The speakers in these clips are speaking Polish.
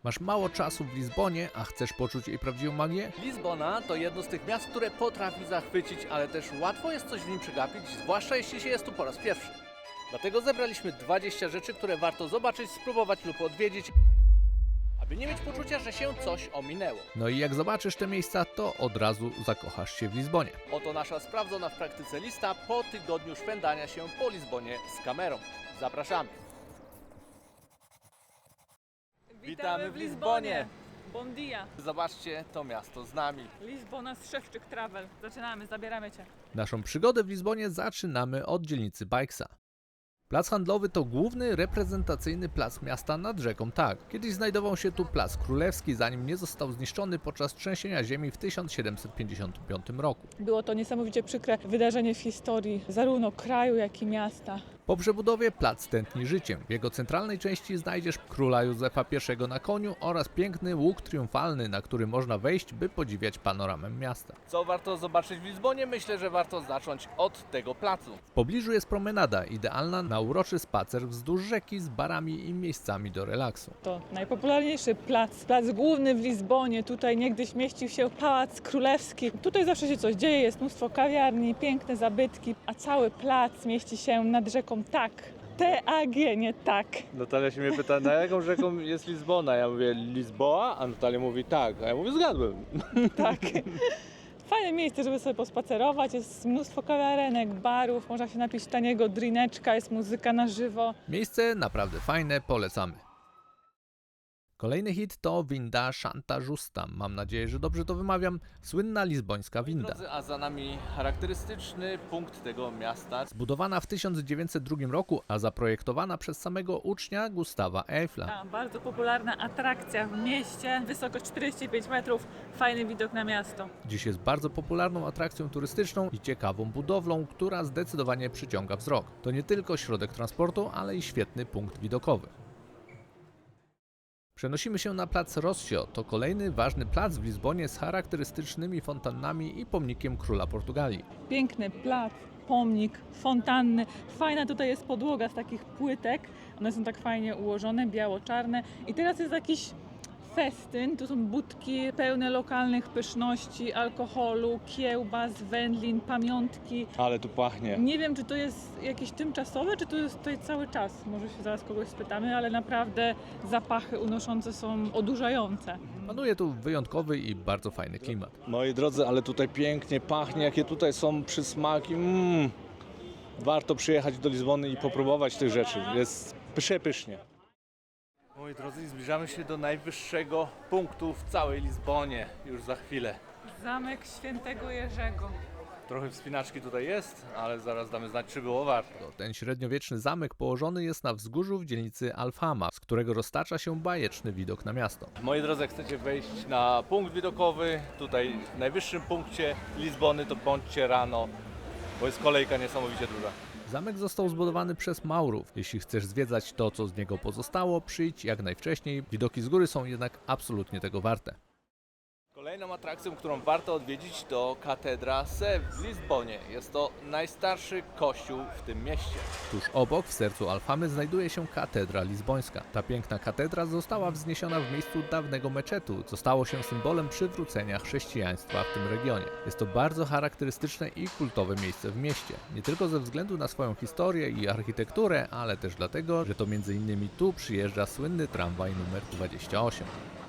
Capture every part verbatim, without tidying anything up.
Masz mało czasu w Lizbonie, a chcesz poczuć jej prawdziwą magię? Lizbona to jedno z tych miast, które potrafi zachwycić, ale też łatwo jest coś w nim przegapić, zwłaszcza jeśli się jest tu po raz pierwszy. Dlatego zebraliśmy dwadzieścia rzeczy, które warto zobaczyć, spróbować lub odwiedzić, aby nie mieć poczucia, że się coś ominęło. No i jak zobaczysz te miejsca, to od razu zakochasz się w Lizbonie. Oto nasza sprawdzona w praktyce lista po tygodniu szwendania się po Lizbonie z kamerą. Zapraszamy! Witamy w Lizbonie! Bon dia! Zobaczcie to miasto z nami. Lizbona z Szewczyk Travel. Zaczynamy, zabieramy Cię. Naszą przygodę w Lizbonie zaczynamy od dzielnicy Bajksa. Plac handlowy to główny reprezentacyjny plac miasta nad rzeką Tak. Kiedyś znajdował się tu Plac Królewski, zanim nie został zniszczony podczas trzęsienia ziemi w tysiąc siedemset pięćdziesiątym piątym roku. Było to niesamowicie przykre wydarzenie w historii zarówno kraju, jak i miasta. Po przebudowie plac tętni życiem. W jego centralnej części znajdziesz króla Józefa pierwszego na koniu oraz piękny łuk triumfalny, na który można wejść, by podziwiać panoramę miasta. Co warto zobaczyć w Lizbonie? Myślę, że warto zacząć od tego placu. W pobliżu jest promenada, idealna na uroczy spacer wzdłuż rzeki z barami i miejscami do relaksu. To najpopularniejszy plac, plac główny w Lizbonie. Tutaj niegdyś mieścił się Pałac Królewski. Tutaj zawsze się coś dzieje, jest mnóstwo kawiarni, piękne zabytki, a cały plac mieści się nad rzeką Tak. T A G, nie tak. Natalia się mnie pyta, na jaką rzeką jest Lizbona? Ja mówię Lizboa, a Natalia mówi tak, a ja mówię zgadłem. Tak. Fajne miejsce, żeby sobie pospacerować, jest mnóstwo kawiarenek, barów, można się napić taniego drineczka, jest muzyka na żywo. Miejsce naprawdę fajne, polecamy. Kolejny hit to winda Santa Justa. Mam nadzieję, że dobrze to wymawiam. Słynna lizbońska winda. Drodzy, a za nami charakterystyczny punkt tego miasta. Zbudowana w tysiąc dziewięćset drugim roku, a zaprojektowana przez samego ucznia Gustawa Eiffla. A, bardzo popularna atrakcja w mieście, wysokość czterdzieści pięć metrów, fajny widok na miasto. Dziś jest bardzo popularną atrakcją turystyczną i ciekawą budowlą, która zdecydowanie przyciąga wzrok. To nie tylko środek transportu, ale i świetny punkt widokowy. Przenosimy się na plac Rossio. To kolejny ważny plac w Lizbonie z charakterystycznymi fontannami i pomnikiem króla Portugalii. Piękny plac, pomnik, fontanny. Fajna tutaj jest podłoga z takich płytek. One są tak fajnie ułożone, biało-czarne. I teraz jest jakiś festyn. Tu są budki pełne lokalnych pyszności, alkoholu, kiełbas, wędlin, pamiątki. Ale tu pachnie. Nie wiem, czy to jest jakieś tymczasowe, czy to jest tutaj cały czas. Może się zaraz kogoś spytamy, ale naprawdę zapachy unoszące są odurzające. Panuje tu wyjątkowy i bardzo fajny klimat. Moi drodzy, ale tutaj pięknie pachnie, jakie tutaj są przysmaki. Mm. Warto przyjechać do Lizbony i popróbować tych rzeczy. Jest przepysznie. Moi drodzy, zbliżamy się do najwyższego punktu w całej Lizbonie. Już za chwilę. Zamek Świętego Jerzego. Trochę wspinaczki tutaj jest, ale zaraz damy znać, czy było warto. Ten średniowieczny zamek położony jest na wzgórzu w dzielnicy Alfama, z którego roztacza się bajeczny widok na miasto. Moi drodzy, jak chcecie wejść na punkt widokowy, tutaj w najwyższym punkcie Lizbony, to bądźcie rano, bo jest kolejka niesamowicie duża. Zamek został zbudowany przez Maurów. Jeśli chcesz zwiedzać to, co z niego pozostało, przyjdź jak najwcześniej. Widoki z góry są jednak absolutnie tego warte. Kolejną atrakcją, którą warto odwiedzić, to Katedra Sé w Lizbonie. Jest to najstarszy kościół w tym mieście. Tuż obok, w sercu Alfamy, znajduje się katedra lizbońska. Ta piękna katedra została wzniesiona w miejscu dawnego meczetu, co stało się symbolem przywrócenia chrześcijaństwa w tym regionie. Jest to bardzo charakterystyczne i kultowe miejsce w mieście. Nie tylko ze względu na swoją historię i architekturę, ale też dlatego, że to między innymi tu przyjeżdża słynny tramwaj numer dwadzieścia osiem.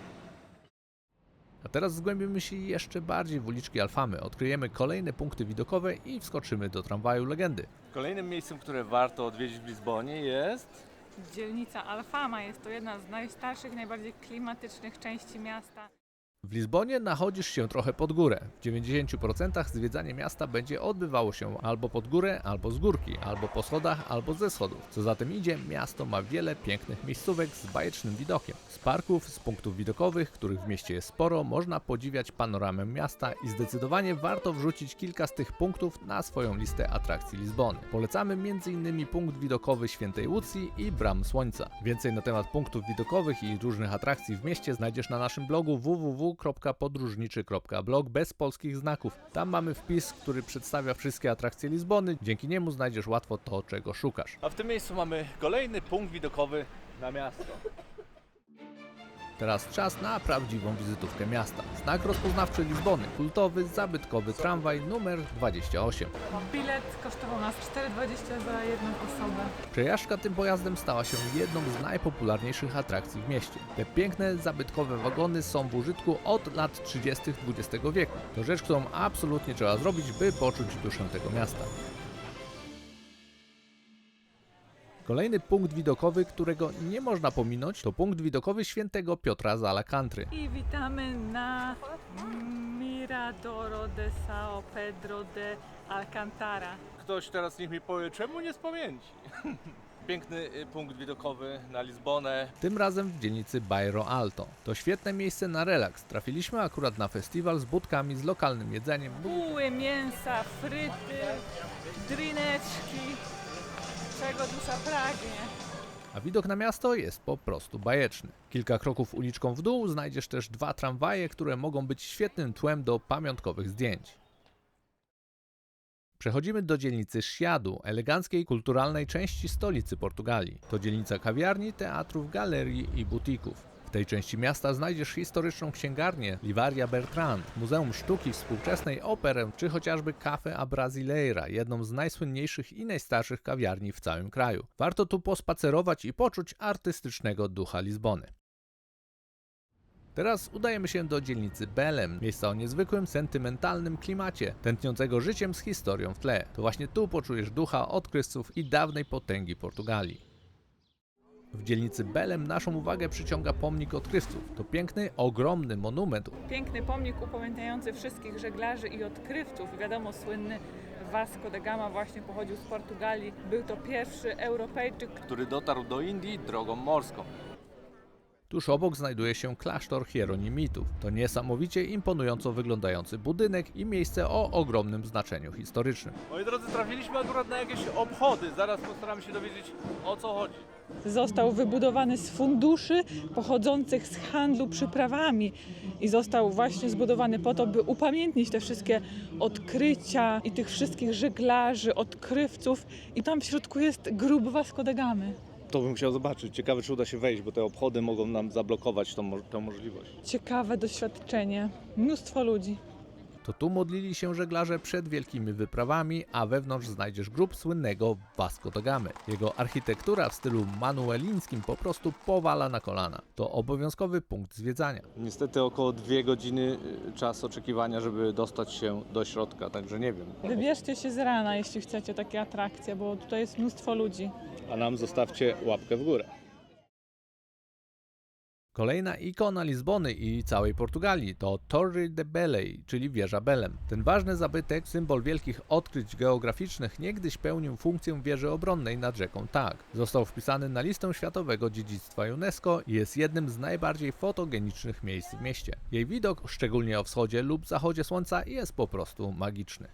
A teraz zgłębimy się jeszcze bardziej w uliczki Alfamy, odkryjemy kolejne punkty widokowe i wskoczymy do tramwaju legendy. Kolejnym miejscem, które warto odwiedzić w Lizbonie jest... Dzielnica Alfama jest to jedna z najstarszych, najbardziej klimatycznych części miasta. W Lizbonie nachodzisz się trochę pod górę. W dziewięćdziesięciu procentach zwiedzanie miasta będzie odbywało się albo pod górę, albo z górki, albo po schodach, albo ze schodów. Co za tym idzie, miasto ma wiele pięknych miejscówek z bajecznym widokiem. Z parków, z punktów widokowych, których w mieście jest sporo, można podziwiać panoramę miasta i zdecydowanie warto wrzucić kilka z tych punktów na swoją listę atrakcji Lizbony. Polecamy między innymi punkt widokowy Świętej Łucji i Bram Słońca. Więcej na temat punktów widokowych i różnych atrakcji w mieście znajdziesz na naszym blogu w w w kropka podróżniczy kropka blog bez polskich znaków. Tam mamy wpis, który przedstawia wszystkie atrakcje Lizbony. Dzięki niemu znajdziesz łatwo to, czego szukasz. A w tym miejscu mamy kolejny punkt widokowy na miasto. Teraz czas na prawdziwą wizytówkę miasta. Znak rozpoznawczy Lizbony, kultowy, zabytkowy tramwaj numer dwadzieścia osiem. Bilet kosztował nas cztery dwadzieścia za jedną osobę. Przejażdżka tym pojazdem stała się jedną z najpopularniejszych atrakcji w mieście. Te piękne, zabytkowe wagony są w użytku od lat trzydziestych dwudziestego wieku. To rzecz, którą absolutnie trzeba zrobić, by poczuć duszę tego miasta. Kolejny punkt widokowy, którego nie można pominąć, to punkt widokowy Świętego Piotra z Alcantry. I witamy na Miradoro de São Pedro de Alcantara. Ktoś teraz niech mi powie, czemu nie z pamięci? Piękny y, punkt widokowy na Lizbonę. Tym razem w dzielnicy Bairro Alto. To świetne miejsce na relaks. Trafiliśmy akurat na festiwal z budkami, z lokalnym jedzeniem. Buły, mięsa, fryty, drineczki. Czego dusza pragnie. A widok na miasto jest po prostu bajeczny. Kilka kroków uliczką w dół znajdziesz też dwa tramwaje, które mogą być świetnym tłem do pamiątkowych zdjęć. Przechodzimy do dzielnicy Chiado, eleganckiej, kulturalnej części stolicy Portugalii. To dzielnica kawiarni, teatrów, galerii i butików. W tej części miasta znajdziesz historyczną księgarnię Livraria Bertrand, Muzeum Sztuki Współczesnej, operę czy chociażby Café a Brasileira, jedną z najsłynniejszych i najstarszych kawiarni w całym kraju. Warto tu pospacerować i poczuć artystycznego ducha Lizbony. Teraz udajemy się do dzielnicy Belém, miejsca o niezwykłym, sentymentalnym klimacie, tętniącego życiem z historią w tle. To właśnie tu poczujesz ducha odkrywców i dawnej potęgi Portugalii. W dzielnicy Belém naszą uwagę przyciąga pomnik odkrywców. To piękny, ogromny monument. Piękny pomnik upamiętniający wszystkich żeglarzy i odkrywców. Wiadomo, słynny Vasco da Gama właśnie pochodził z Portugalii. Był to pierwszy Europejczyk, Który dotarł do Indii drogą morską. Tuż obok znajduje się klasztor hieronimitów. To niesamowicie imponująco wyglądający budynek i miejsce o ogromnym znaczeniu historycznym. Moi drodzy, trafiliśmy akurat na jakieś obchody. Zaraz postaramy się dowiedzieć, o co chodzi. został wybudowany z funduszy pochodzących z handlu przyprawami i został właśnie zbudowany po to, by upamiętnić te wszystkie odkrycia i tych wszystkich żeglarzy, odkrywców, i tam w środku jest grób Vasco da Gamy. To bym chciał zobaczyć. Ciekawe, czy uda się wejść, bo te obchody mogą nam zablokować tą, mo- tę możliwość. Ciekawe doświadczenie, mnóstwo ludzi. To tu modlili się żeglarze przed wielkimi wyprawami, a wewnątrz znajdziesz grób słynnego Vasco da Gamy. Jego architektura w stylu manuelińskim po prostu powala na kolana. To obowiązkowy punkt zwiedzania. Niestety około dwie godziny y, czas oczekiwania, żeby dostać się do środka, także nie wiem. Wybierzcie się z rana, jeśli chcecie takie atrakcje, bo tutaj jest mnóstwo ludzi. A nam zostawcie łapkę w górę. Kolejna ikona Lizbony i całej Portugalii to Torre de Belém, czyli wieża Belém. Ten ważny zabytek, symbol wielkich odkryć geograficznych, niegdyś pełnił funkcję wieży obronnej nad rzeką Tak. Został wpisany na listę Światowego Dziedzictwa UNESCO i jest jednym z najbardziej fotogenicznych miejsc w mieście. Jej widok, szczególnie o wschodzie lub zachodzie słońca, jest po prostu magiczny.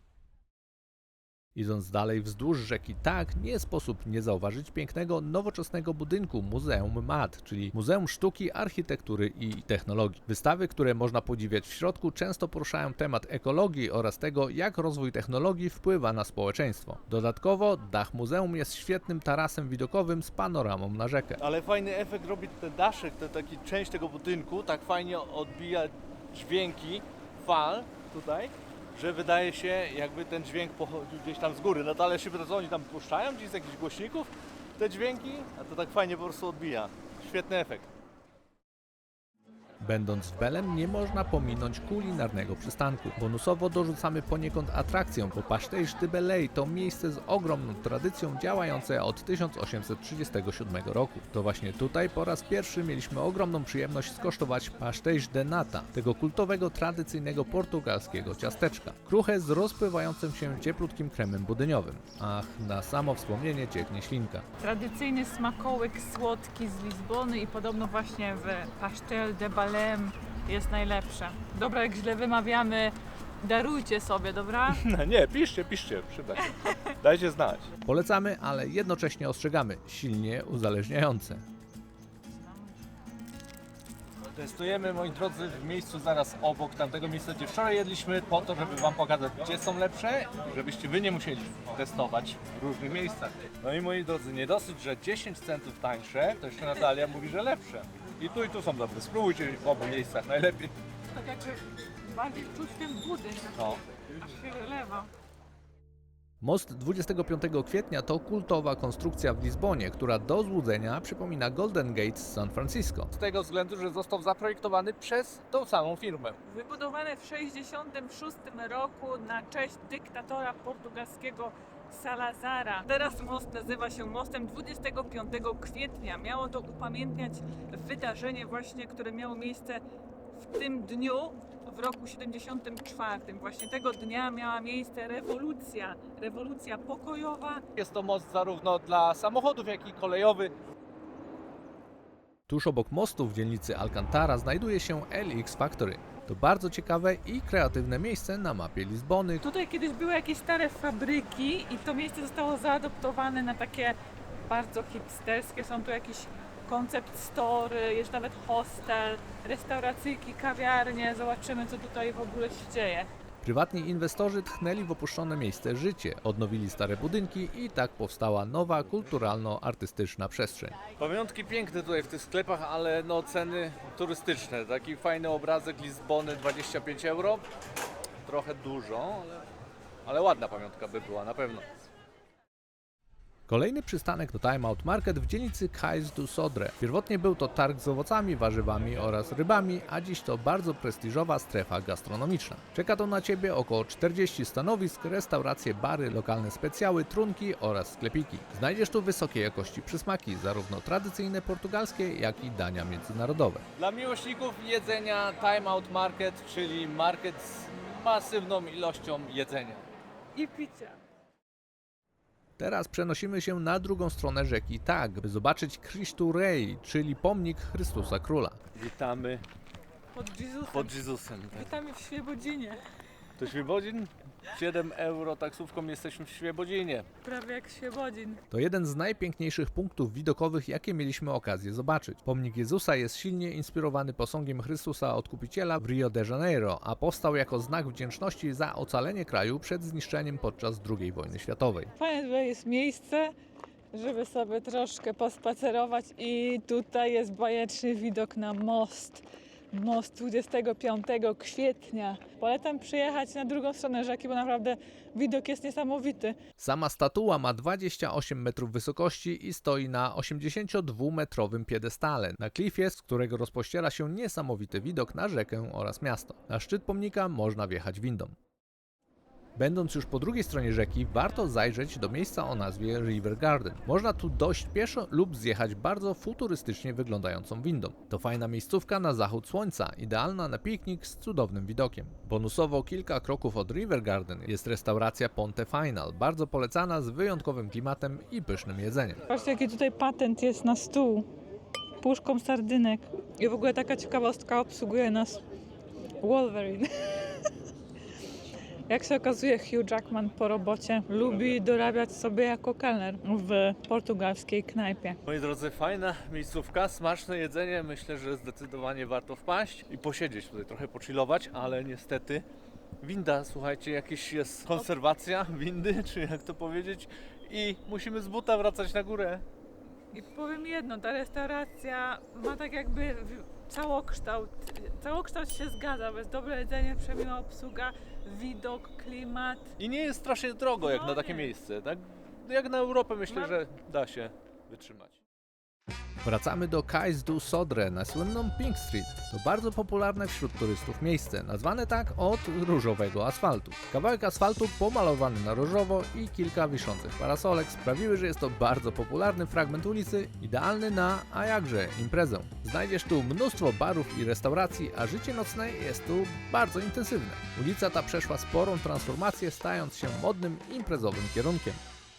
Idąc dalej wzdłuż rzeki Tak, nie sposób nie zauważyć pięknego, nowoczesnego budynku Muzeum M A D, czyli Muzeum Sztuki, Architektury i Technologii. Wystawy, które można podziwiać w środku, często poruszają temat ekologii oraz tego, jak rozwój technologii wpływa na społeczeństwo. Dodatkowo dach muzeum jest świetnym tarasem widokowym z panoramą na rzekę. Ale fajny efekt robi ten daszek, ten taki część tego budynku, tak fajnie odbija dźwięki fal tutaj, że wydaje się, jakby ten dźwięk pochodził gdzieś tam z góry. No to ale się pyta, co oni tam puszczają gdzieś z jakichś głośników te dźwięki, a to tak fajnie po prostu odbija. Świetny efekt. Będąc w Belém nie można pominąć kulinarnego przystanku. Bonusowo dorzucamy poniekąd atrakcję, bo Pastéis de Belém to miejsce z ogromną tradycją działające od tysiąc osiemset trzydziestego siódmego roku. To właśnie tutaj po raz pierwszy mieliśmy ogromną przyjemność skosztować pastéis de nata, tego kultowego, tradycyjnego portugalskiego ciasteczka. Kruche z rozpływającym się cieplutkim kremem budyniowym. Ach, na samo wspomnienie cieknie ślinka. Tradycyjny smakołyk słodki z Lizbony i podobno właśnie w Pastel de Belém jest najlepsze. Dobra, jak źle wymawiamy, darujcie sobie, dobra? No nie, piszcie, piszcie, przyda się. Dajcie znać. Polecamy, ale jednocześnie ostrzegamy, silnie uzależniające. Testujemy, moi drodzy, w miejscu zaraz obok tamtego miejsca, gdzie wczoraj jedliśmy, po to, żeby wam pokazać, gdzie są lepsze, żebyście wy nie musieli testować w różnych miejscach. No i moi drodzy, nie dosyć, że dziesięć centów tańsze, to jeszcze Natalia mówi, że lepsze. I tu i tu są dobre. Spróbujcie w obu miejscach najlepiej. Tak jakby bardziej czuć ten budynek, No. aż się wylewa. Most dwudziestego piątego kwietnia to kultowa konstrukcja w Lizbonie, która do złudzenia przypomina Golden Gate z San Francisco. Z tego względu, że został zaprojektowany przez tą samą firmę. Wybudowane w tysiąc dziewięćset sześćdziesiątym szóstym roku na cześć dyktatora portugalskiego Salazara. Teraz most nazywa się mostem dwudziestego piątego kwietnia. Miało to upamiętniać wydarzenie właśnie, które miało miejsce w tym dniu w roku siedemdziesiątym czwartym. Właśnie tego dnia miała miejsce rewolucja, rewolucja pokojowa. Jest to most zarówno dla samochodów, jak i kolejowy. Tuż obok mostu w dzielnicy Alcantara znajduje się L X Factory. To bardzo ciekawe i kreatywne miejsce na mapie Lizbony. Tutaj kiedyś były jakieś stare fabryki i to miejsce zostało zaadoptowane na takie bardzo hipsterskie. Są tu jakieś koncept store, jest nawet hostel, restauracyjki, kawiarnie. Zobaczymy, co tutaj w ogóle się dzieje. Prywatni inwestorzy tchnęli w opuszczone miejsce życie, odnowili stare budynki i tak powstała nowa kulturalno-artystyczna przestrzeń. Pamiątki piękne tutaj w tych sklepach, ale no ceny turystyczne. Taki fajny obrazek Lizbony, dwadzieścia pięć euro. Trochę dużo, ale, ale ładna pamiątka by była na pewno. Kolejny przystanek to Time Out Market w dzielnicy Cais do Sodre. Pierwotnie był to targ z owocami, warzywami oraz rybami, a dziś to bardzo prestiżowa strefa gastronomiczna. Czeka to na Ciebie około czterdzieści stanowisk, restauracje, bary, lokalne specjały, trunki oraz sklepiki. Znajdziesz tu wysokiej jakości przysmaki, zarówno tradycyjne portugalskie, jak i dania międzynarodowe. Dla miłośników jedzenia Time Out Market, czyli market z masywną ilością jedzenia. I picia. Teraz przenosimy się na drugą stronę rzeki Tak, by zobaczyć Cristo Rei, czyli pomnik Chrystusa Króla. Witamy Pod Jezusem. pod Jezusem. Witamy w Świebodzinie. To Świebodzin? siedem euro taksówką jesteśmy w Świebodzinie. Prawie jak Świebodzin. To jeden z najpiękniejszych punktów widokowych, jakie mieliśmy okazję zobaczyć. Pomnik Jezusa jest silnie inspirowany posągiem Chrystusa Odkupiciela w Rio de Janeiro, a powstał jako znak wdzięczności za ocalenie kraju przed zniszczeniem podczas drugiej wojny światowej. Fajne tutaj jest miejsce, żeby sobie troszkę pospacerować i tutaj jest bajeczny widok na most. Most dwudziestego piątego kwietnia. Polecam przyjechać na drugą stronę rzeki, bo naprawdę widok jest niesamowity. Sama statua ma dwadzieścia osiem metrów wysokości i stoi na osiemdziesięciodwumetrowym piedestale, na klifie, z którego rozpościera się niesamowity widok na rzekę oraz miasto. Na szczyt pomnika można wjechać windą. Będąc już po drugiej stronie rzeki, warto zajrzeć do miejsca o nazwie River Garden. Można tu dojść pieszo lub zjechać bardzo futurystycznie wyglądającą windą. To fajna miejscówka na zachód słońca, idealna na piknik z cudownym widokiem. Bonusowo kilka kroków od River Garden jest restauracja Ponte Final, bardzo polecana z wyjątkowym klimatem i pysznym jedzeniem. Patrzcie, jaki tutaj patent jest na stół. Puszką sardynek. I w ogóle taka ciekawostka, obsługuje nas Wolverine. Jak się okazuje, Hugh Jackman po robocie lubi dorabiać sobie jako kelner w portugalskiej knajpie. Moi drodzy, fajna miejscówka, smaczne jedzenie. Myślę, że zdecydowanie warto wpaść i posiedzieć tutaj, trochę pochillować, ale niestety winda, słuchajcie, jakaś jest konserwacja windy, czy jak to powiedzieć, i musimy z buta wracać na górę. I powiem jedno, ta restauracja ma tak jakby całokształt. Całokształt się zgadza, bo jest dobre jedzenie, przemiła obsługa, widok, klimat. I nie jest strasznie drogo jak No na takie nie. miejsce, tak? Jak na Europę myślę, Mam- że da się wytrzymać. Wracamy do Cais do Sodre na słynną Pink Street. To bardzo popularne wśród turystów miejsce, nazwane tak od różowego asfaltu. Kawałek asfaltu pomalowany na różowo i kilka wiszących parasolek sprawiły, że jest to bardzo popularny fragment ulicy, idealny na, a jakże, imprezę. Znajdziesz tu mnóstwo barów i restauracji, a życie nocne jest tu bardzo intensywne. Ulica ta przeszła sporą transformację, stając się modnym, imprezowym kierunkiem.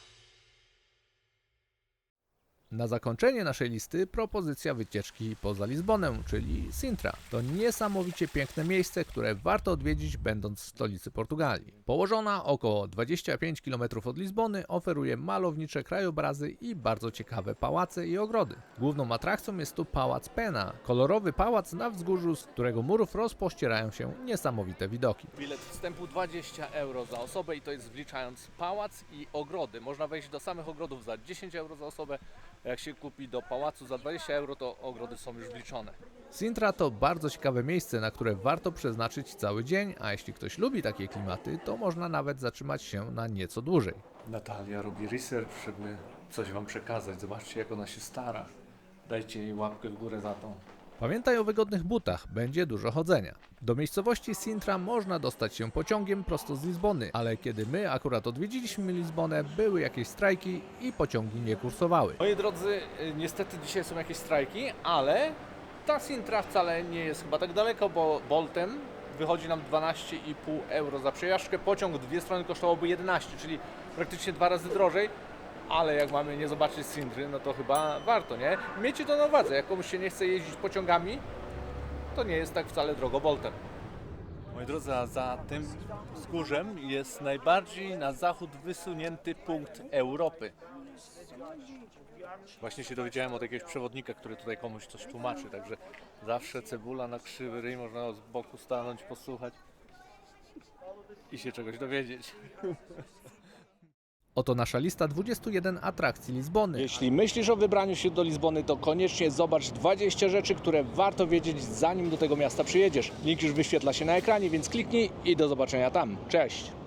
Na zakończenie naszej listy propozycja wycieczki poza Lizbonę, czyli Sintra. To niesamowicie piękne miejsce, które warto odwiedzić, będąc w stolicy Portugalii. Położona około dwadzieścia pięć kilometrów od Lizbony, oferuje malownicze krajobrazy i bardzo ciekawe pałace i ogrody. Główną atrakcją jest tu Pałac Pena, kolorowy pałac na wzgórzu, z którego murów rozpościerają się niesamowite widoki. Bilet wstępu dwadzieścia euro za osobę i to jest wliczając pałac i ogrody. Można wejść do samych ogrodów za dziesięć euro za osobę. A jak się kupi do pałacu za dwadzieścia euro, to ogrody są już wliczone. Sintra to bardzo ciekawe miejsce, na które warto przeznaczyć cały dzień, a jeśli ktoś lubi takie klimaty, to można nawet zatrzymać się na nieco dłużej. Natalia robi research, żeby coś Wam przekazać. Zobaczcie, jak ona się stara. Dajcie jej łapkę w górę za to. Pamiętaj o wygodnych butach, będzie dużo chodzenia. Do miejscowości Sintra można dostać się pociągiem prosto z Lizbony, ale kiedy my akurat odwiedziliśmy Lizbonę, były jakieś strajki i pociągi nie kursowały. Moi drodzy, niestety dzisiaj są jakieś strajki, ale ta Sintra wcale nie jest chyba tak daleko, bo Boltem wychodzi nam dwanaście i pół euro za przejażdżkę. Pociąg dwie strony kosztowałby jedenaście, czyli praktycznie dwa razy drożej. Ale jak mamy nie zobaczyć Sintry, no to chyba warto, nie? Miejcie to na uwadze, jak komuś się nie chce jeździć pociągami, to nie jest tak wcale drogo Boltem. Moi drodzy, a za tym wzgórzem jest najbardziej na zachód wysunięty punkt Europy. Właśnie się dowiedziałem od jakiegoś przewodnika, który tutaj komuś coś tłumaczy, także zawsze cebula na krzywy ryj, można z boku stanąć, posłuchać i się czegoś dowiedzieć. Oto nasza lista dwudziestu jeden atrakcji Lizbony. Jeśli myślisz o wybraniu się do Lizbony, to koniecznie zobacz dwadzieścia rzeczy, które warto wiedzieć, zanim do tego miasta przyjedziesz. Link już wyświetla się na ekranie, więc kliknij i do zobaczenia tam. Cześć!